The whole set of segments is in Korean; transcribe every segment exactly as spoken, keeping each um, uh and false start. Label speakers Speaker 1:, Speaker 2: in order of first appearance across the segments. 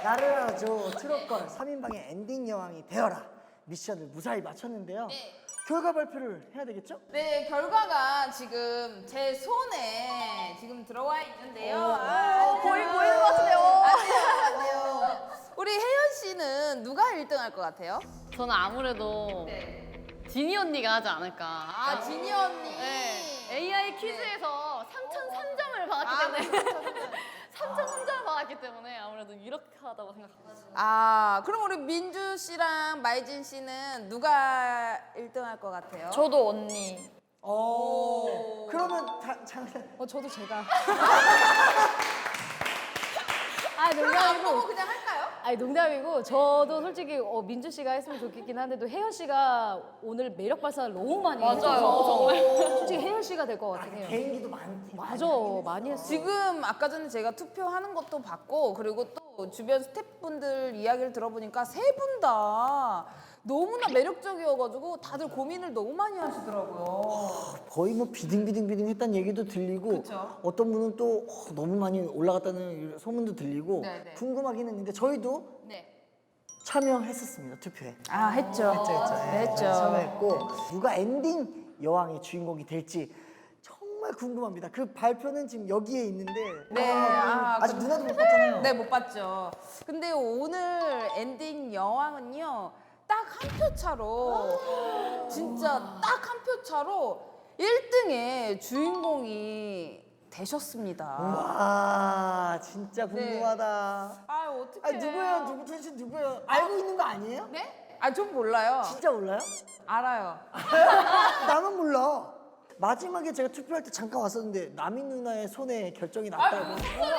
Speaker 1: 나를 알아줘 트롯걸 삼 인방의 엔딩 여왕이 되어라 미션을 무사히 마쳤는데요.
Speaker 2: 네.
Speaker 1: 결과 발표를 해야 되겠죠?
Speaker 2: 네, 결과가 지금 제 손에 지금 들어와 있는데요. 아,
Speaker 3: 어, 보이 보이는 것 같은데요.
Speaker 2: 안 돼요, 안 돼요. 우리 혜연 씨는 누가 일 등 할 것 같아요?
Speaker 4: 저는 아무래도
Speaker 2: 네.
Speaker 4: 지니 언니가 하지 않을까.
Speaker 2: 아, 지니 언니.
Speaker 4: 네. 에이아이 퀴즈에서 삼천삼 점을 받았기
Speaker 2: 아,
Speaker 4: 때문에 삼천삼 점을 받았기 때문에 아무래도 유력하다고 생각합니다.
Speaker 2: 아, 그럼 우리 민주 씨랑 마이진 씨는 누가 일 등 할 것 같아요?
Speaker 3: 저도 언니.
Speaker 1: 오. 그러면 자, 잠깐.
Speaker 3: 어 저도 제가. 아
Speaker 2: 그럼 안 보고
Speaker 3: 농담이고.
Speaker 2: 그냥 할까요?
Speaker 3: 아니 농담이고 저도 솔직히 어, 민주 씨가 했으면 좋겠긴 한데도 혜연 씨가 오늘 매력 발산을 너무 많이
Speaker 4: 맞아요,
Speaker 3: 해줘서
Speaker 4: 정말.
Speaker 3: 솔직히 혜연 씨가 될 것 같긴 해요.
Speaker 1: 개인기도 많고.
Speaker 3: 맞아, 많이 했어.
Speaker 2: 지금 아까 전에 제가 투표하는 것도 봤고 그리고 또 주변 스태프분들 이야기를 들어보니까 세 분 다 너무나 매력적이어가지고 다들 고민을 너무 많이 하시더라고요.
Speaker 1: 거의 뭐 비등비등비등 했다는 얘기도 들리고
Speaker 2: 그쵸.
Speaker 1: 어떤 분은 또 어, 너무 많이 올라갔다는 소문도 들리고
Speaker 2: 네네.
Speaker 1: 궁금하긴 했는데 저희도
Speaker 2: 네.
Speaker 1: 참여했었습니다 투표에.
Speaker 2: 아 했죠.
Speaker 1: 했죠, 했죠. 예,
Speaker 2: 네, 했죠.
Speaker 1: 참여했고 누가 엔딩 여왕의 주인공이 될지 정말 궁금합니다. 그 발표는 지금 여기에 있는데
Speaker 2: 네,
Speaker 1: 아,
Speaker 2: 아,
Speaker 1: 아직 누나도 못 봤잖아요.
Speaker 2: 네, 못 봤죠. 근데 오늘 엔딩 여왕은요, 딱 한 표 차로, 진짜 딱 한 표 차로 일 등의 주인공이 되셨습니다.
Speaker 1: 와 진짜 궁금하다.
Speaker 2: 아, 어떡해.
Speaker 1: 아 누구예요? 누구 텐션 누구예요? 알고 있는 거 아니에요?
Speaker 2: 네? 아, 좀 몰라요.
Speaker 1: 진짜 몰라요?
Speaker 2: 알아요.
Speaker 1: 나만 몰라. 마지막에 제가 투표할 때 잠깐 왔었는데 나미 누나의 손에 결정이 났다고.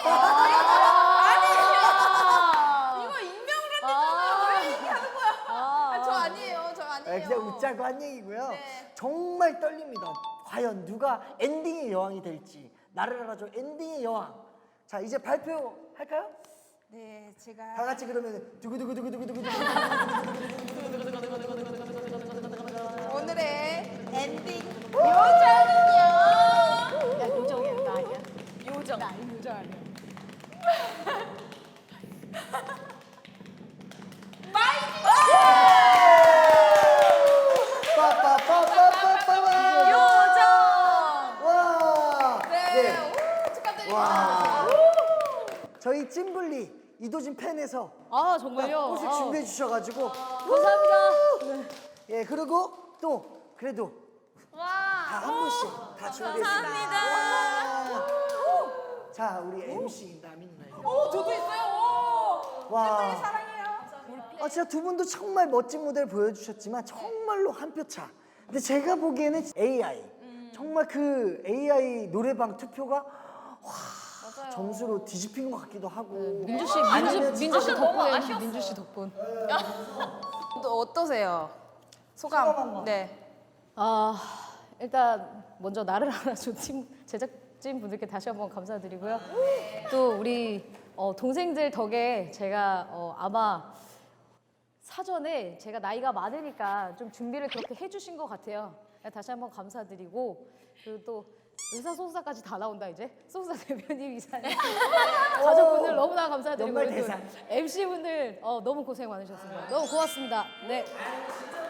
Speaker 2: 이거 익명으로 했잖아요. 왜 얘기하는 거야? 아, 저 아니에요. 저
Speaker 1: 아,
Speaker 2: 아니에요.
Speaker 1: 그냥 웃자고 한 얘기고요.
Speaker 2: 네.
Speaker 1: 정말 떨립니다. 과연 누가 엔딩의 여왕이 될지. 나를 알아줘 엔딩의 여왕. 자 이제 발표할까요?
Speaker 2: 네,
Speaker 1: 다
Speaker 2: 제가.
Speaker 1: 같이 그러면 두구두구두구두구두구.
Speaker 2: 오늘의 엔딩 요정은요.
Speaker 3: 야 요정이야 나 아니야.
Speaker 2: 요정.
Speaker 3: 나 요정 아니야.
Speaker 1: 빠빠빠빠빠빠.
Speaker 2: 요정.
Speaker 1: 와.
Speaker 2: 네. 오, 축하드립니다.
Speaker 1: 와. 저희 찐블리 이도진 팬에서
Speaker 3: 아 정말요?
Speaker 1: 꽃을
Speaker 3: 아,
Speaker 1: 준비해 주셔가지고
Speaker 3: 감사합니다.
Speaker 1: 예 그리고 또 그래도 다 한 분씩 다 준비했습니다. 감사합니다. 자 우리 엠씨 나미 누나.
Speaker 2: 오, 저도 있어요. 오.
Speaker 1: 와.
Speaker 2: 팬분이 사랑해요.
Speaker 1: 아 진짜 두 분도 정말 멋진 무대를 보여주셨지만 정말로 한 표 차. 근데 제가 보기에는 에이아이 정말 그 에이아이 노래방 투표가 와 점수로 뒤집힌 것 같기도 하고.
Speaker 3: 민주 씨
Speaker 1: 아니면
Speaker 3: 민주 민주 씨
Speaker 4: 진짜 너무
Speaker 3: 덕분에
Speaker 4: 아쉬웠어요.
Speaker 3: 민주 씨 덕분.
Speaker 2: 또 어떠세요? 소감.
Speaker 1: 소감 한번.
Speaker 2: 네.
Speaker 3: 아 일단 먼저 나를 알아줘 팀 제작진 분들께 다시 한번 감사드리고요. 또 우리 어, 동생들 덕에 제가 어, 아마 사전에 제가 나이가 많으니까 좀 준비를 그렇게 해주신 것 같아요. 다시 한번 감사드리고 그리고 또 의사소통사까지 다 나온다 이제 소속사 대표님 이사님 가족분들 너무나 감사드리고
Speaker 1: 연말 대상.
Speaker 3: 엠씨 분들 어, 너무 고생 많으셨습니다. 너무 고맙습니다. 네.